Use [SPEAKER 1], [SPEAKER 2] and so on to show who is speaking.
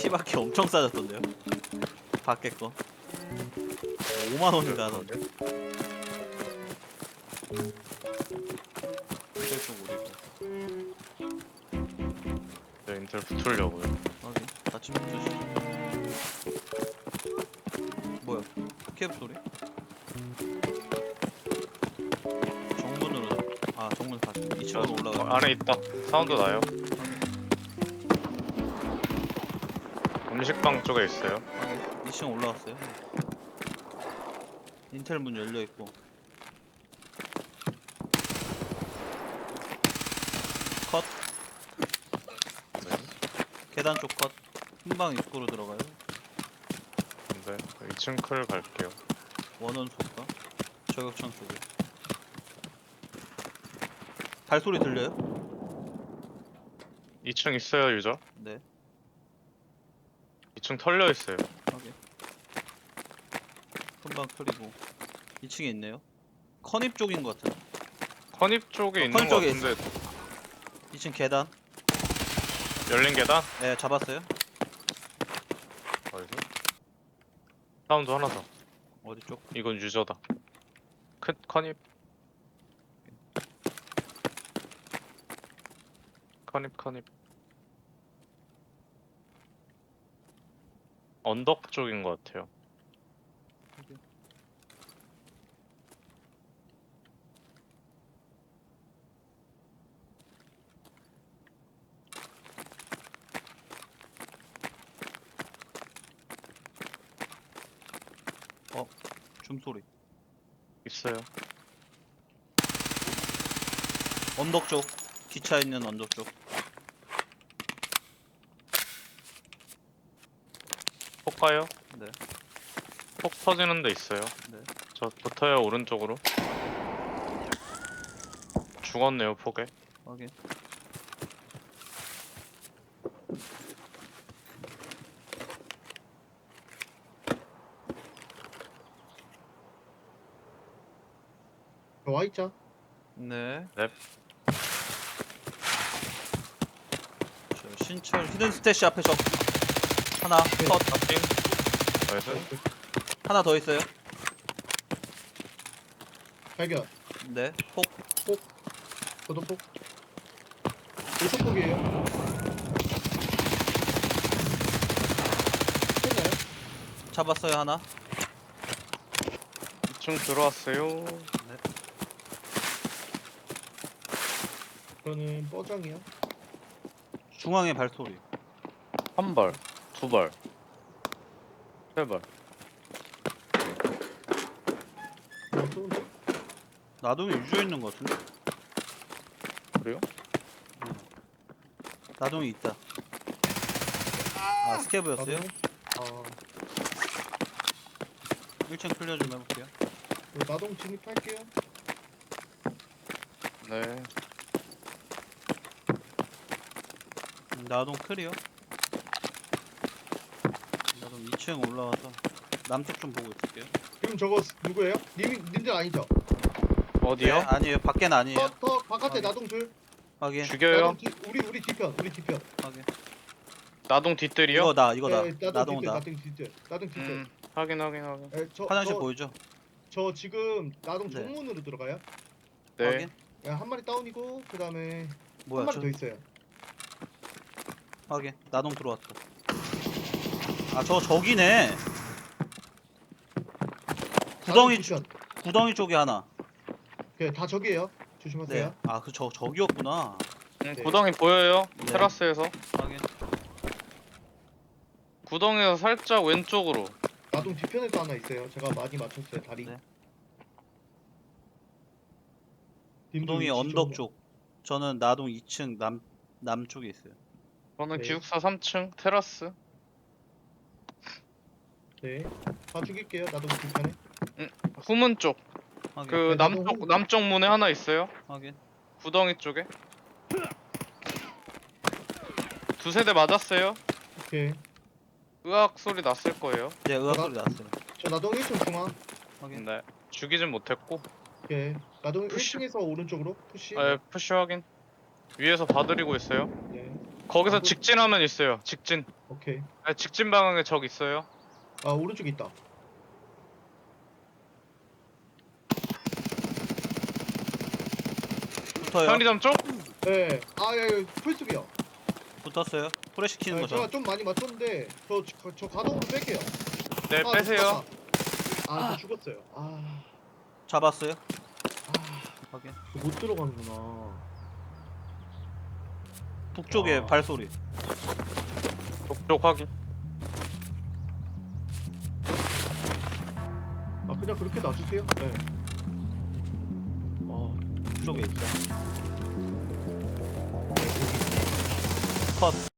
[SPEAKER 1] 피바퀴 엄청 싸졌던데요? 밖에 거 5만원인가 하던데. 인텔 쪽 오리고.
[SPEAKER 2] 네, 인텔 붙으려고요.
[SPEAKER 1] 확인. 같이 붙으시죠. 뭐야? 캡 소리? 정문으로. 아, 정문 다시 2층으로 올라가.
[SPEAKER 2] 안에 있다. 사운드 나요. 음식방 쪽에 있어요.
[SPEAKER 1] 확인. 2층 올라왔어요. 인텔 문 열려 있고. 컷.
[SPEAKER 2] 네.
[SPEAKER 1] 계단 쪽 컷. 흰방 입구로 들어가요.
[SPEAKER 2] 네. 2층 클 갈게요.
[SPEAKER 1] 원원 쏠까? 저격창 쪽에. 발소리 들려요?
[SPEAKER 2] 2층 있어요, 유저.
[SPEAKER 1] 네.
[SPEAKER 2] 2층 털려 있어요.
[SPEAKER 1] 확인. 큰방 클이고 2층에 있네요. 컨입 쪽인 것 같은데.
[SPEAKER 2] 컨입 쪽에 있는
[SPEAKER 1] 컨입
[SPEAKER 2] 것
[SPEAKER 1] 쪽에
[SPEAKER 2] 같은데
[SPEAKER 1] 2층 계단.
[SPEAKER 2] 열린 계단?
[SPEAKER 1] 네, 잡았어요.
[SPEAKER 2] 어디서? 사운드 하나 더.
[SPEAKER 1] 어디 쪽?
[SPEAKER 2] 이건 유저다. 컨입. 컨입. 언덕 쪽인 것 같아요.
[SPEAKER 1] 줌소리.
[SPEAKER 2] 있어요.
[SPEAKER 1] 언덕 쪽. 기차 있는 언덕 쪽.
[SPEAKER 2] 폭 가요?
[SPEAKER 1] 네.
[SPEAKER 2] 폭 터지는 데 있어요.
[SPEAKER 1] 네.
[SPEAKER 2] 저 붙어요, 오른쪽으로. 죽었네요, 폭에.
[SPEAKER 1] 확인.
[SPEAKER 3] 와있자.
[SPEAKER 1] 네.
[SPEAKER 2] 넵.
[SPEAKER 1] 저 신철 히든 스태시 앞에 적 하나 컷.
[SPEAKER 2] 탑핑. 나이스.
[SPEAKER 1] 하나 더 있어요.
[SPEAKER 3] 발견.
[SPEAKER 1] 네. 폭.
[SPEAKER 3] 도도폭. 일속폭이에요. 했나요?
[SPEAKER 1] 잡았어요 하나.
[SPEAKER 2] 2층 들어왔어요.
[SPEAKER 3] 저는 뻐장이요.
[SPEAKER 1] 중앙에 발소리.
[SPEAKER 2] 한 발, 두 발, 세 발.
[SPEAKER 3] 쏘는데?
[SPEAKER 1] 나동에 유저 있는 것 같은데?
[SPEAKER 2] 그래요?
[SPEAKER 1] 나동에 있다. 아, 스케브였어요?
[SPEAKER 3] 아,
[SPEAKER 1] 1층 클리어 좀 해볼게요.
[SPEAKER 3] 나동 진입할게요.
[SPEAKER 2] 네.
[SPEAKER 1] 나동 클리어. 나동 2층 올라와서 남쪽 좀 보고 있을게요.
[SPEAKER 3] 지금 저거 누구예요? 님들 아니죠?
[SPEAKER 2] 어디요?
[SPEAKER 1] 네, 아니에요. 밖엔 아니에요.
[SPEAKER 3] 더 바깥에
[SPEAKER 1] 확인.
[SPEAKER 3] 나동 둘.
[SPEAKER 1] 확인.
[SPEAKER 2] 죽여요?
[SPEAKER 3] 나동 우리 뒤편.
[SPEAKER 1] 확인.
[SPEAKER 2] 나동 뒷뜰이요?
[SPEAKER 1] 이거다.
[SPEAKER 3] 네,
[SPEAKER 1] 나동다.
[SPEAKER 3] 나동 뒤편. 나동 뒤편.
[SPEAKER 2] 확인.
[SPEAKER 3] 네,
[SPEAKER 1] 화장실 보이죠?
[SPEAKER 3] 저 지금 나동
[SPEAKER 1] 네.
[SPEAKER 3] 정문으로 들어가요.
[SPEAKER 2] 네.
[SPEAKER 1] 확인.
[SPEAKER 3] 네, 한 마리 다운이고 그 다음에 한
[SPEAKER 1] 뭐야?
[SPEAKER 3] 마리 더 있어요.
[SPEAKER 1] 확인. 나동 들어왔다. 아, 저 적이네. 구덩이
[SPEAKER 3] 나동 뒤편.
[SPEAKER 1] 구덩이 쪽에 하나.
[SPEAKER 3] 네, 다 저기예요.
[SPEAKER 1] 네.
[SPEAKER 3] 조심하세요.
[SPEAKER 1] 아, 그 적이었구나.
[SPEAKER 3] 네.
[SPEAKER 2] 구덩이 보여요?
[SPEAKER 1] 네.
[SPEAKER 2] 테라스에서.
[SPEAKER 1] 확인.
[SPEAKER 2] 구덩이에서 살짝 왼쪽으로.
[SPEAKER 3] 나동 뒤편에도 하나 있어요. 제가 많이 맞췄어요. 다리.
[SPEAKER 1] 네.
[SPEAKER 3] 님들
[SPEAKER 1] 구덩이
[SPEAKER 3] 위치
[SPEAKER 1] 언덕
[SPEAKER 3] 좀-
[SPEAKER 1] 쪽. 저는 나동 2층 남쪽에 있어요.
[SPEAKER 2] 저는
[SPEAKER 3] 네.
[SPEAKER 2] 기숙사 3층 테라스.
[SPEAKER 3] 네. 다 죽일게요. 나동 뒤편에.
[SPEAKER 2] 후문 쪽.
[SPEAKER 1] 확인.
[SPEAKER 2] 그
[SPEAKER 3] 네, 나동
[SPEAKER 2] 남쪽 문에 하나 있어요.
[SPEAKER 1] 확인.
[SPEAKER 2] 구덩이 쪽에. 두세 대 맞았어요.
[SPEAKER 3] 오케이.
[SPEAKER 2] 으악 소리 났을 거예요.
[SPEAKER 1] 네, 의학 소리 났어요.
[SPEAKER 3] 저 나동 1층 중앙.
[SPEAKER 1] 확인.
[SPEAKER 2] 네. 죽이진 못했고.
[SPEAKER 3] 오케이. 나동
[SPEAKER 2] 푸시.
[SPEAKER 3] 1층에서 오른쪽으로 푸시.
[SPEAKER 2] 네, 푸시 확인. 위에서 봐드리고 있어요.
[SPEAKER 3] 네.
[SPEAKER 2] 거기서
[SPEAKER 3] 아, 그-
[SPEAKER 2] 직진하면 있어요. 직진.
[SPEAKER 3] 오케이.
[SPEAKER 2] 아, 직진 방향에 적 있어요.
[SPEAKER 3] 아 오른쪽에 있다.
[SPEAKER 1] 붙어요.
[SPEAKER 2] 편의점 쪽?
[SPEAKER 3] 네. 아예 풀숲이야.
[SPEAKER 1] 붙었어요. 프레시 키는
[SPEAKER 3] 네,
[SPEAKER 1] 거죠.
[SPEAKER 3] 제가 좀 많이 맞췄는데 저 가동으로 뺄게요.
[SPEAKER 2] 네,
[SPEAKER 3] 아,
[SPEAKER 2] 빼세요.
[SPEAKER 3] 아, 저 죽었어요.
[SPEAKER 1] 잡았어요.
[SPEAKER 3] 아,
[SPEAKER 1] 확인.
[SPEAKER 3] 못 들어가는구나.
[SPEAKER 1] 북쪽에
[SPEAKER 3] 아.
[SPEAKER 1] 발소리.
[SPEAKER 2] 쪽 확인.
[SPEAKER 3] 아, 그냥 그렇게 놔주세요. 네.
[SPEAKER 1] 북쪽에 있어. 컷.